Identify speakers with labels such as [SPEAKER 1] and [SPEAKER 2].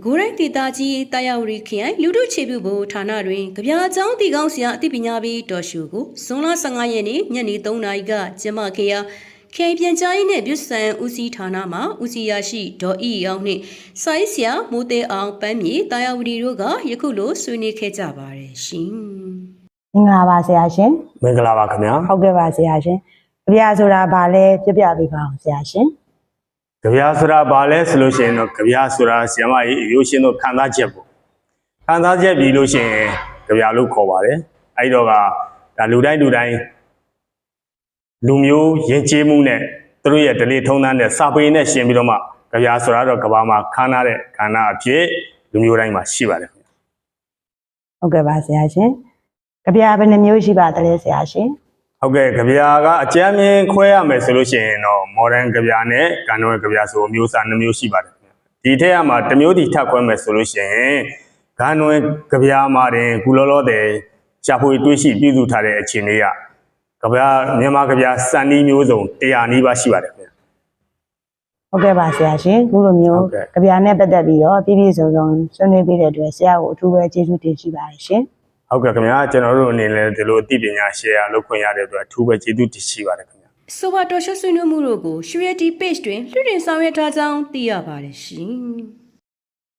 [SPEAKER 1] ကိုရိုင်းဒေတာကြီးတာယာဝရီခရိုင်လူထုခြေပြုဖို့ဌာနတွင်ကြပြအကြောင်းတည်ကောင်းဆရာအသိပညာပေးတော်ရှုကိုဇွန်လ15ရက်နေ့ညနေ3နာရီကကျင်းပခဲ့ရာခေပြန်ကြားရေးနဲ့ပြည်စံဦးစီးဌာနမှဦးစီးရရှိဒေါ်အီအောင်နှင့်ဆိုင်းဆရာမိုးသေးအောင်ပန်းမြေတာယာဝရီတို့ကယခုလိုဆွေးနွေးခဲ့ကြပါတယ်ရှင်
[SPEAKER 2] မင်္ဂလာပါဆရာရှင်
[SPEAKER 3] မင်္ဂလာပါခင်ဗျာ
[SPEAKER 2] ဟုတ်ကဲ့ပါဆရာရှင်ကြပြဆိုတာဘာလဲပြပြပေးပါအောင်ဆရာရှင်
[SPEAKER 3] ကြပြဆိုတာဘာလဲဆိုလို့ရှိရင်တော့ကြပြဆိုတာဆရာမကြီးရိုးရှင်းတော့ခံစားချက်ပေါ့ခံစားချက်ပြီးလို့ရှိရင်ကြပြလို့ခေါ်ပါတယ်အဲ့တော့ကဒါလူတိုင်းလူမျိုးယဉ်ကျေးမှုနဲ့သူတို့ရဲ့ဓလေ့ထုံးတမ်းတဲ့စာပေနဲ့ရှင်ပြီးတော့မှကြပြဆိုတာတော့ကဘာမှာခန်းထားတဲ့ခန္ဓာအဖြစ်လူမျိုးတိုင်းမှာရှိပါတယ်ခင်ဗျ
[SPEAKER 2] ဟုတ်ကဲ့ပါဆရာရှင်ကြပြဘယ်နှမျိုးရှိပါသလဲဆရာရှင်
[SPEAKER 3] ဟုတ်ကဲ့ကြပြကအကျမ်းမြင်ခွဲရမယ်ဆိုလို့ရှိရင်တော့ modern ကြပြနဲ့ကန်တော်ကြပြဆိုအမျိုးအစား2မျိုးရှိပါတယ်ဒီထက်ကမှတစ်မျိုးတည်ထပ်ခွဲမယ်ဆိုလို့ရှိရင်ကန်တော်ကြပြမှာတင်ကုလောလောတဲ့ရှာဖွေတွေးရှိပြုစုထားတဲ့အခြေအနေကကြပြမြန်မာကြပြစံနည်းမျိုးစုံ100နီးပါးရှိပါတယ်ခင်ဗျ
[SPEAKER 2] ဟုတ်ကဲ့ပါဆရာရှင်ခုလိုမျိုးကြပြနဲ့ပတ်သက်ပြီးတော့ပြည့်စုံဆွေးနွေးပေးတဲ့အတွက်ဆရာကိုအထူးပဲကျေးဇူးတင်ရှိပါတယ်ရှင်
[SPEAKER 3] ဟုတ်ကဲ့ခင်ဗျာကျွန်တော်တို့အနေနဲ့ဒီလိုအသိပညာ share လုပ်ခွင့်ရတဲ့အတွက်အထူးပဲကျေးဇူးတင်ရှိပါတယ်ခင်ဗျာ
[SPEAKER 1] ဆိုပါတော်ရှုဆွေးနွေးမှုတို့ကို Surety Page တွင်လွှင့်တင်ဆောင်ရွက်ထားကြောင်းသိရပါတယ်ရှင်